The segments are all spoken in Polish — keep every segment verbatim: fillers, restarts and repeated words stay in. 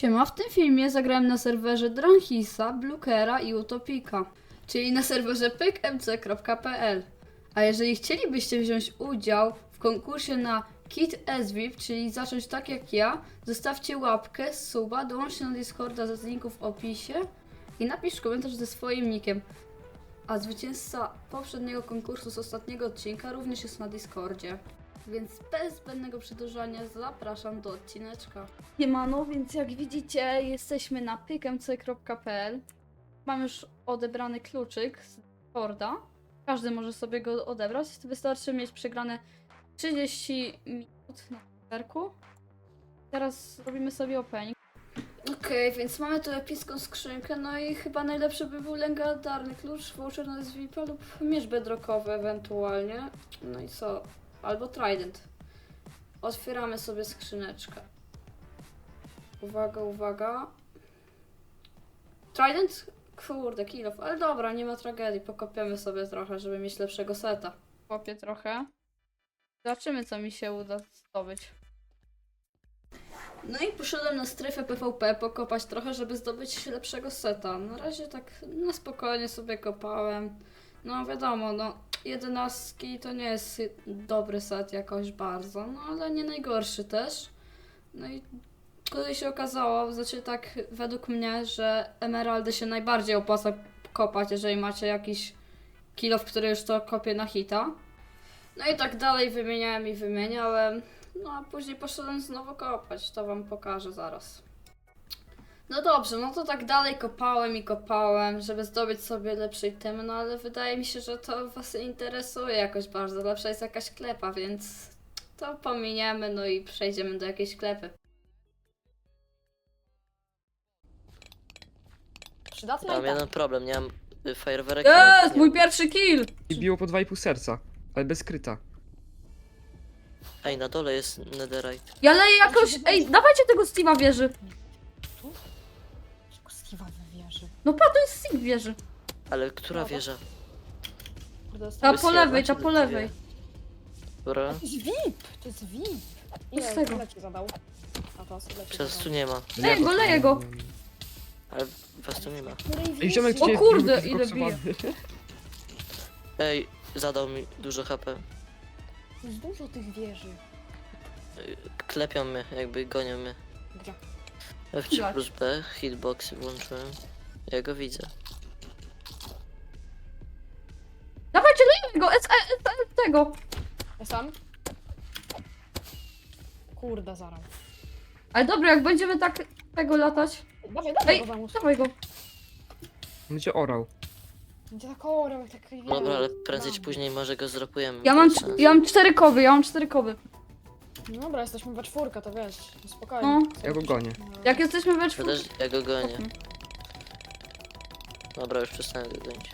Siema, w tym filmie zagrałem na serwerze Dranhisa, Blookera i Utopika, czyli na serwerze pyk m c kropka p l. A jeżeli chcielibyście wziąć udział w konkursie na Kit S V I P, czyli zacząć tak jak ja, zostawcie łapkę, suba, dołączcie na Discorda ze linku w opisie i napisz komentarz ze swoim nickiem. A zwycięzca poprzedniego konkursu z ostatniego odcinka również jest na Discordzie. Więc bez zbędnego przedłużania zapraszam do odcineczka. Siemano, więc jak widzicie jesteśmy na pyk m c kropka p l. Mam już odebrany kluczyk z Discorda. Każdy może sobie go odebrać. Wystarczy mieć przegrane trzydzieści minut na serwerku. Teraz robimy sobie opening. Okej, okay, więc mamy tu epicką skrzynkę, no i chyba najlepszy by był legendarny klucz, voucher na S V I P lub miecz bedrockowy ewentualnie. No i co? Albo trident. Otwieramy sobie skrzyneczkę. Uwaga, uwaga. Trident? Kurde, kill off. Ale dobra, nie ma tragedii. Pokopiemy sobie trochę, żeby mieć lepszego seta. Kopię trochę. Zobaczymy, co mi się uda zdobyć. No i poszedłem na strefę P V P pokopać trochę, żeby zdobyć lepszego seta. Na razie tak na spokojnie sobie kopałem. No wiadomo, no jedenastki to nie jest dobry set jakoś bardzo, no ale nie najgorszy też. No i tutaj się okazało, znaczy tak według mnie, że emeraldy się najbardziej opłaca kopać, jeżeli macie jakiś kill off, który już to kopie na hita. No i tak dalej wymieniałem i wymieniałem. No a później poszedłem znowu kopać, to wam pokażę zaraz. No dobrze, no to tak dalej kopałem i kopałem, żeby zdobyć sobie lepszy item, no ale wydaje mi się, że to was interesuje jakoś bardzo. Lepsza jest jakaś klepa, więc to pominiemy, no i przejdziemy do jakiejś klepy. Przydatna Mam i tak. jeden problem, nie mam y, fajerwerek. Jest, mój pierwszy kill! I biło po dwa i pół serca, ale bez kryta. Ej, na dole jest netherite. Ja leję jakoś, ej, dawajcie tego Steve'a wieży. Tylko Steve'a wywierzy. No pa, to jest Steve wieży. Ale która Dobra. wieża? Kurde, jest Ta to... po Jest jedna, lewej, czy ta to po dwie? lewej. Dobra. To jest V I P! To jest V I P! Ile, z tego? ile ci zadał? A to ile ci Przez tu zadał? nie ma. Leję go, leję go. Ale was tu nie ma. Której Ej, ziomek, wieży? O cię kurde, był ile zboksowany. Ej, zadał mi dużo H P. Jest dużo tych wieży. Y, Klepią mnie, jakby gonią mnie. Gdzie? F trzy Jak? plus B, hitboxy włączyłem. Ja go widzę. Dawajcie, lejemy go, S E, S E tego. Ja sam? Kurde, zaraz. Ale dobra, jak będziemy tak tego latać. Dawaj, dawaj Ej, go zamus. dawaj go. Będzie orał. Będzie tak orał, jak tak wieży. Dobra, ale prędzej czy później może go zdropujemy. Ja to mam, jest cz- sens. ja mam cztery kowy, ja mam cztery kowy. No dobra, jesteśmy we czwórkę, to wiesz. Spokojnie. No. Ja go gonię. No. Jak jesteśmy we Ja czwórce. też, ja go gonię. Dobra, już przestanę go gonić.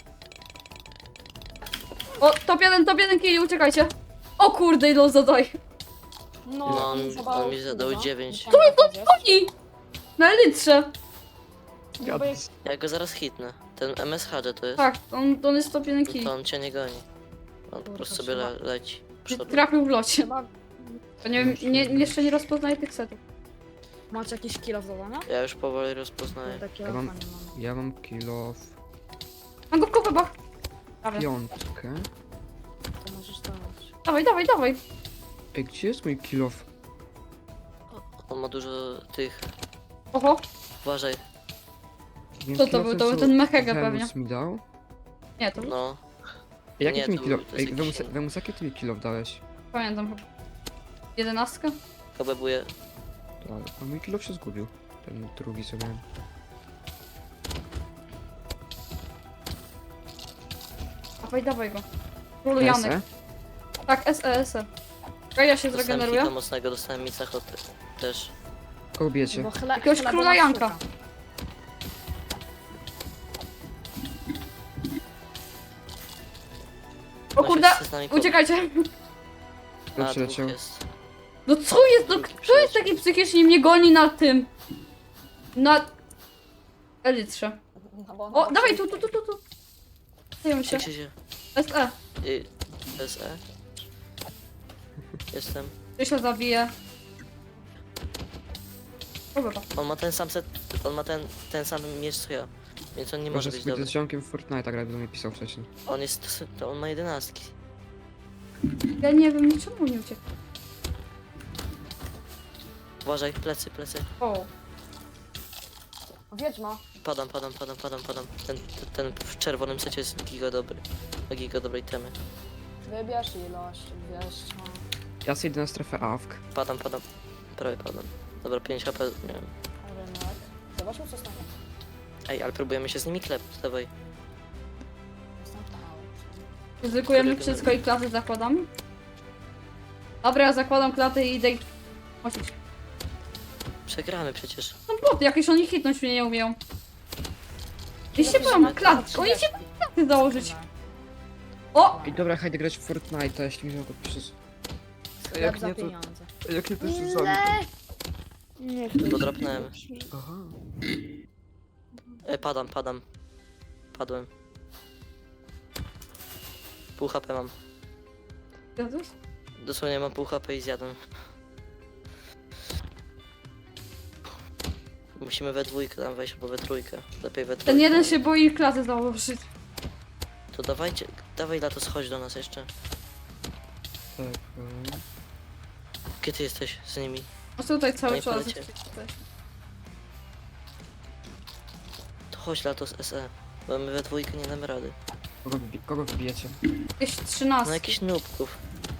O, top jeden, top jeden kill, uciekajcie. O kurde, ile on zadaj. No, No, on- mi zadał on mi zadał dużo. dziewięć. Co jest I na elitrze. No bo jak Ja go zaraz hitnę. Ten M S H to jest. Tak, on, on jest top jeden kill. To on cię nie goni. On po prostu sobie le leci. Przodem. Trafił w locie. trzeba... To nie wiem, nie, jeszcze nie rozpoznaję tych setów. Macie jakiś kill of zadania? Ja już powoli rozpoznaję. Takie Ja mam- nie mam. Ja mam kill of Mam go w kowebach. Dawaj, piątkę. To możesz dawać. dawaj, dawaj, dawaj. Ej, gdzie jest mój kill of? On ma dużo tych. Oho, Uważaj. Wiem, Co to kill był? offem, To był co ten Mechege Venus pewnie. mi dał? nie, to No. Ej, jaki Nie, ty mi to kill był- of... to jest Ej, jakiś Vemus, inny. Vemus, jaki ty mi kill of dałeś? pamiętam chyba. Jedenastka? Kobebuję. Ale a mój kill off się zgubił. Ten drugi co miałem. Dawaj, dawaj go. Królu Janek. S E? Tak, S E, S E. Czekaj, ja się Dostałem zregeneruję. hita mocnego, dostałem Micachot też. Kogo bijecie? Bo chle, Jakiegoś chleba króla nas Janka. szuka. O kurde, Właśnie z nami kobiet. uciekajcie. A, Kto przyleciał? dwóch jest. No co jest, no kto jest taki psychicznie mnie goni na tym? Na... Elitrze. No, bo O, dawaj tu, tu, tu, tu, tu. Zajmę się. Jak się się... S E. Y, S E? Jestem. Ty się zabije. Dobra. On ma ten sam set, on ma ten, ten sam miecz co ja. Więc on nie może Może być spójrz dobry. z ziomkiem w Fortnite'a grać, bo mi pisał wcześniej. On jest, to on ma jedenastki. Ja nie wiem, czemu nie uciekł. Uważaj, plecy, plecy. O, Wiedźma. Padam, padam, padam, padam, padam. Ten, ten, ten w czerwonym secie jest giga dobry. Ma giga dobrej temy. Wybierz ilość, dwieście. Ja sobie idę na strefę A W K. Padam, padam. Prawie padam. Dobra, pięć H P, nie wiem. Rynek. Zobaczmy co stanie. Ej, ale próbujemy się z nimi klepić, dawaj. Następny aut. ryzykujemy Który wszystko i klasy zakładamy? Dobra, ja zakładam klatę i idę ich... Osić. Przegramy przecież. No boty, jakieś oni hitnąć mnie nie umieją. I się boją klat, oni się boją klaty założyć. O! Ej, dobra, hajdę grać w Fortnite'a, jeśli mi ziomko pisze. Sklep Jak za nie, to... pieniądze. Jak nie, to się zabiję. Nie To dropnąłem. Aha. E, padam, padam. Padłem. Pół H P mam. Jezus. Dosłownie mam pół H P i zjadłem. Musimy we dwójkę tam wejść, albo we trójkę. Lepiej we trójkę. Ten jeden się boi klaty założyć. To dawajcie, dawaj Lato, schodź do nas jeszcze. Tak, e, Gdzie ty jesteś z nimi? No tutaj cały Nie czas. polecie. To chodź Lato z S E. Bo my we dwójkę nie damy rady. kogo, wybi kogo wybijecie? Jakieś No trzynaście. jakiś nubków.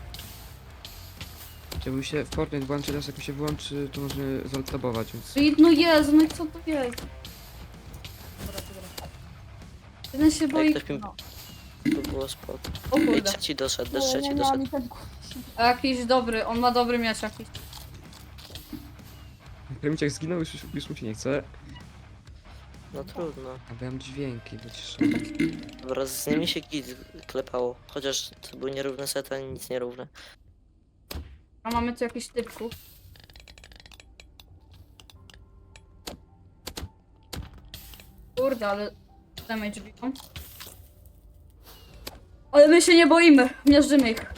Jakby się w Fortnite włączy, teraz jak mi się wyłączy, to możemy zaltabować, więc... I- No Jezu, no i co to jest? Dobra, dobra. Jeden się Jak boi... ktoś mi... No. To było spoko. O Ej, kurde. trzeci doszedł, też Nie, trzeci nie, nie, doszedł. ani ten- A jakiś dobry, on ma dobry miecz jakiś. Kremiciak zginął, już, już mu się nie chce. No trudno. A bo ja mam dźwięki, wyciszę. Dobra, z nimi się git klepało. Chociaż to były nierówne sety, ani nic nierówne. A mamy tu jakiś typków. Kurde, ale damage biją. Ale my się nie boimy, miażdżymy ich.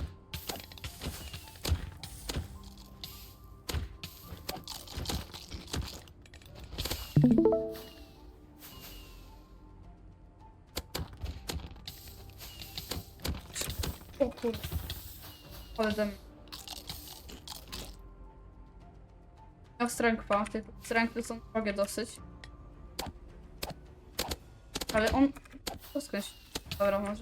O kurde. Ale damage. Ja strękwa, te strękwy są drogie dosyć. Ale on... To skądś... Dobra, może.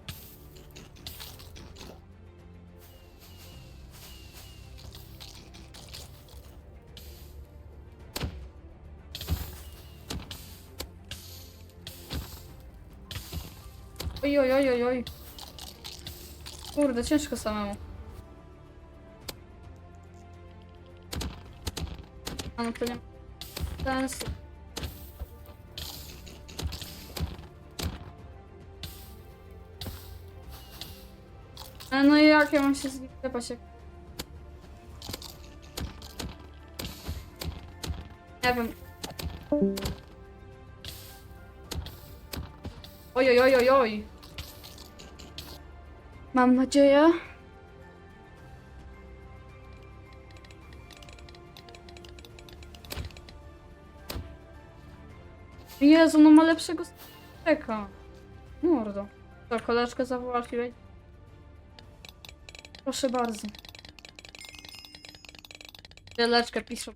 Oj, oj, oj, oj, oj. Kurde, ciężko samemu. A no to nie... Sensu. Ale no i jak ja mam się zgrypać jak... Nie wiem. Oj, oj, oj, oj, oj. Mam nadzieję. Jezu, no ma lepszego steka. Mordo. To koleżkę zawołać. Proszę bardzo. Wieleczkę piszą.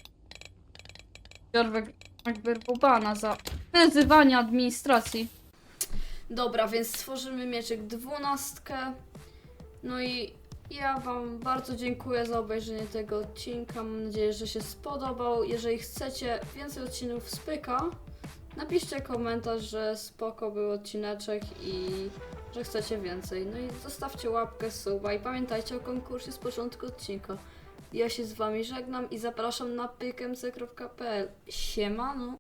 Jorwek jakby bana za wyzywanie administracji. Dobra, więc stworzymy mieczek dwunastkę. No i ja wam bardzo dziękuję za obejrzenie tego odcinka. Mam nadzieję, że się spodobał. Jeżeli chcecie więcej odcinków z Pyka, napiszcie komentarz, że spoko był odcineczek i że chcecie więcej. No i zostawcie łapkę, suba i pamiętajcie o konkursie z początku odcinka. Ja się z wami żegnam i zapraszam na pykmc kropka p l. Siemano!